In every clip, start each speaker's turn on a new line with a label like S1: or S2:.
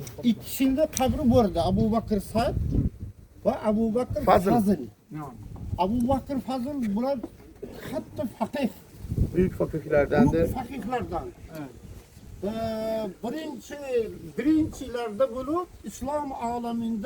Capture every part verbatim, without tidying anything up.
S1: İkisinde kabri burada. Abu Bakır Sa'd ve Abu Bakır
S2: Fazıl.
S1: Fazıl. Abu Bakır Fazıl bunlar hatta fakih.
S2: Büyük fakirlerden de.
S1: Büyük fakihlerden. Ee, birinci, birincilerde bunu İslam aleminde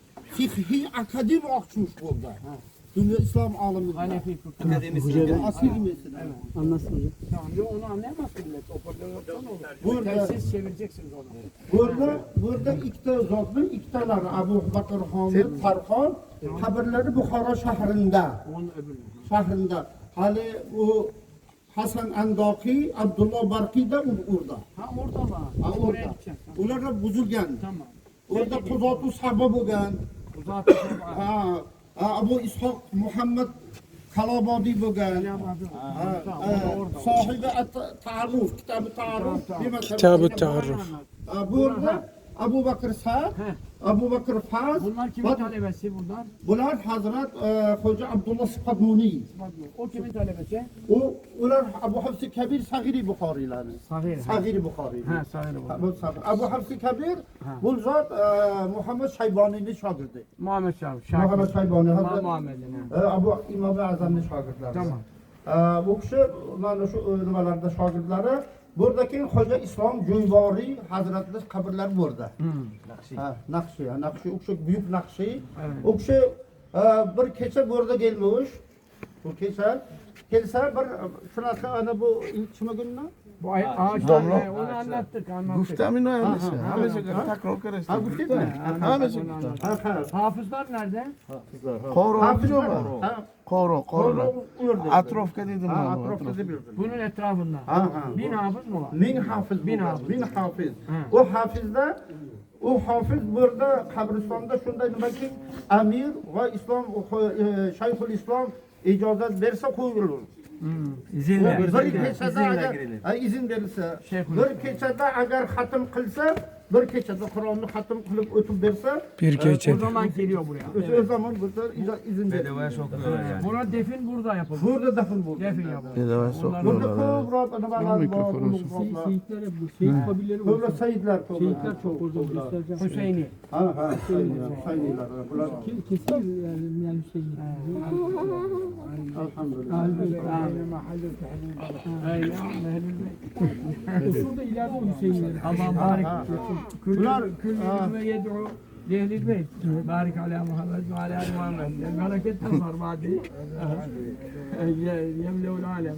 S1: fikhi akademi açmış burada. Dünya İslam aleminde.
S3: Hanefi fıkıh.
S1: Asıl mesela.
S3: Anlasın hocam. Tamam, yo, onu anlayamazsın millet. Hoparlörden olur.
S1: Burada-
S3: Telsiz çevireceksiniz onu.
S1: Burada, burada iki tane zatın, iki tane Abu Bakır Hamid Tarhan kabirleri Bukhara şehrinde.
S3: Onun öbürü.
S1: Şehrinde. Hali o Hasan Andaki, Abdullah Barki de orada.
S3: Ha orada var.
S1: Ha
S3: Oraya
S1: orada.
S3: gideceğiz.
S1: Ular da buzulgan.
S3: Tamam.
S1: Orada Kuzatu Sabah bo'lgan.
S3: Uzatı
S1: Ha, ha, Abu İshaq Muhammed Kalabadi bo'lgan. Ha, ha, Sahibi at-Ta'arruf, kitab-ı Ta'arruf.
S4: Kitab-ı Ta'arruf.
S1: Ha, burada Abu Bakır Sa'd,
S3: He.
S1: Abu Bakır Faz.
S3: Bunlar kimin
S1: Bak,
S3: talebesi bunlar?
S1: Bular Hazret e, Hoca Abdullah Sıfatmuni.
S3: O kimin talebesi?
S1: O, ular Abu Hafs Kabir Sagiri Bukhari'lari.
S3: Sahir.
S1: Sagiri Bukhari.
S3: Ha sahir bu.
S1: Bu Sagir. Abu Hafs Kabir, bu zat e, Muhammed Shaybani'nin şagirdi.
S3: Muhammed Şahap. Şakir.
S1: Muhammed Shaybani.
S3: Ma
S1: Hazret
S3: Muhammed'in. ha.
S1: e, Abu İmam-ı Azam'ın şagirdleri.
S3: Tamam.
S1: E, bu kişi, ulan şu nimalarda şagirdleri, buradaki Hoca İslam Cüybari Hazretleri kabirleri burada. Ha, Nakşi, ha, Nakşi, o kişi büyük Nakşi.
S3: Evet.
S1: O kişi e, bir keçe burada gelmiş. Bu keçe. Gelse bir şurası ana bu ilk çima gününe.
S3: Bu ay ağaçlar. he, Onu anlattık anlattık.
S2: Guftemin öylesi.
S1: Ha, ha,
S2: Hamece
S1: ha.
S2: takrar karıştı.
S1: Ha, bu değil mi?
S2: Hamece.
S3: Onu anlattık.
S1: Ha, ha.
S3: Hafızlar nerede?
S2: Koro
S1: Hafızlar.
S2: mu?
S1: Ha,
S2: Koro,
S1: Koro
S2: koro.
S1: uyurdu.
S2: Atrofka dedim
S1: Ha,
S2: ben.
S1: atrofta demirdim.
S3: Bunun etrafında.
S1: Ha, ha.
S3: Bin hafız mı var?
S1: Min hafız.
S3: Bin
S1: bu.
S3: hafız.
S1: Min hafız.
S3: Ha.
S1: O hafızda o hafız burada kabristan'da şunda nima ki Amir ve İslam e, Şeyhül İslam icazet verse koyulur.
S3: Hmm. İzinle.
S1: Bir
S3: İzinle.
S1: keçede
S3: İzinle
S1: agar
S3: girilir.
S1: ha, izin verilse,
S3: Şeyhül
S1: bir keçede agar hatim kılsa, bir keçede Kur'an'ı hatim kılıp ötüp verse,
S4: Bir
S3: O
S4: keçe.
S3: zaman geliyor buraya.
S1: o zaman burada iza- izin verilir.
S3: Buna defin burada yapılır.
S1: Burada defin burada.
S3: Defin yapılır.
S2: Bedava
S1: Burada
S2: sokuyorlar.
S1: kobra nimalar
S2: mikrofonu
S1: var.
S2: olsun.
S5: Şehitler hep bu. Şehit kabileleri
S1: Kobra
S5: var.
S1: seyitler kobra.
S5: Şehitler çok orada göstereceğim.
S3: Hüseyin'i.
S1: Ha ha. Hüseyinler. Bunlar
S5: Ke- Kesin yani, yani Hüseyin.
S1: elhamdülillah.
S5: Şurada ileride o Hüseyinler.
S3: Aman barik.
S1: Bunlar
S3: Küllü ve yed'u Ehl-i Beyt. Barik ala Muhammed ve ala ali Muhammed. Bereket nazar badi. Yemleul alem.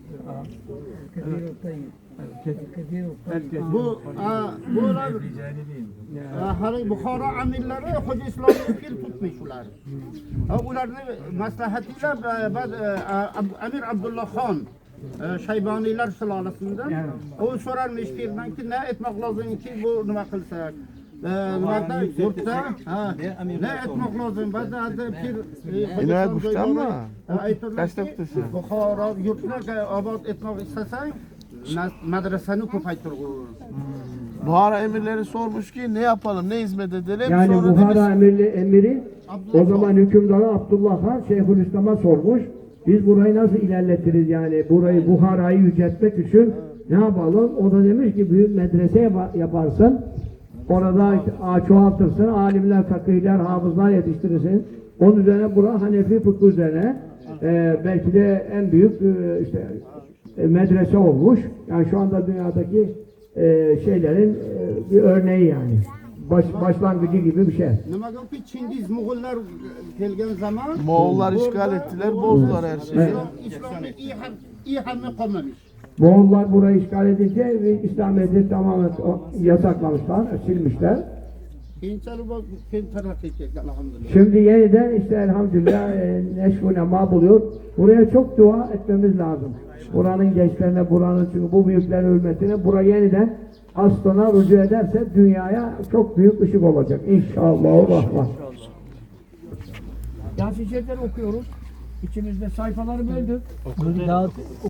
S1: bu a, bunlar a, hani Bukhara amirleri Hoca İslam'ı pir tutmuşlar. Ha, ularni maslahatıyla e, ba'd, e, Ab- Amir Abdullah Khan e, Shaybaniler sülalesinden o sorarmış pirden ki ne etmek lazım ki bu nima qilsak. E, Nimada yurtda ha, ne etmek lazım? Ba'd adı pir e,
S2: İnayet
S1: Hoca
S2: Buştan
S1: İslam
S2: mı?
S1: Joybari, e, aytdilar
S2: Kaçta
S1: ki,
S2: bitesi?
S1: Bukhara yurtda obod etmek istesang madrasani ko'paytirg'in.
S2: Buhara emirleri sormuş ki ne yapalım, ne hizmet edelim?
S6: Yani
S2: Sonra
S6: Buhara
S2: demiş,
S6: emiri, emiri o zaman hükümdarı Abdullah Han Şeyhülislam'a sormuş. Biz burayı nasıl ilerletiriz yani burayı Buhara'yı yüceltmek için ne yapalım? O da demiş ki büyük medrese yap- yaparsın. Orada işte, a- çoğaltırsın. Alimler, fakihler, hafızlar yetiştirirsin. Onun üzerine bura Hanefi fıkhı üzerine e, belki de en büyük e, işte e, medrese olmuş. Yani şu anda dünyadaki e, şeylerin e, bir örneği yani. Baş, başlangıcı gibi bir şey.
S1: Nimaga Çingiz Moğollar kelgan zaman
S2: Moğollar
S1: burada-
S2: işgal ettiler,
S1: burada
S2: bozdular her şeyi.
S1: İslam, İslam'ı iyi ham iyi hamle kalmamış.
S6: Moğollar burayı işgal edince ve İslamiyet'i tamamen o- yasaklamışlar, silmişler.
S1: Keyinchalik bu keyin taraqqiy ketdi alhamdulillah.
S6: Şimdi yeniden işte elhamdülillah e, neşv-u nema buluyor. Buraya çok dua etmemiz lazım. Buranın gençlerine, buranın çünkü bu büyüklerin hürmetine buraya yeniden aslına rücu ederse dünyaya çok büyük ışık olacak. İnşallah. Rahman.
S3: Yasin Şerifleri okuyoruz. İçimizde sayfaları böldük.
S5: Dağıt,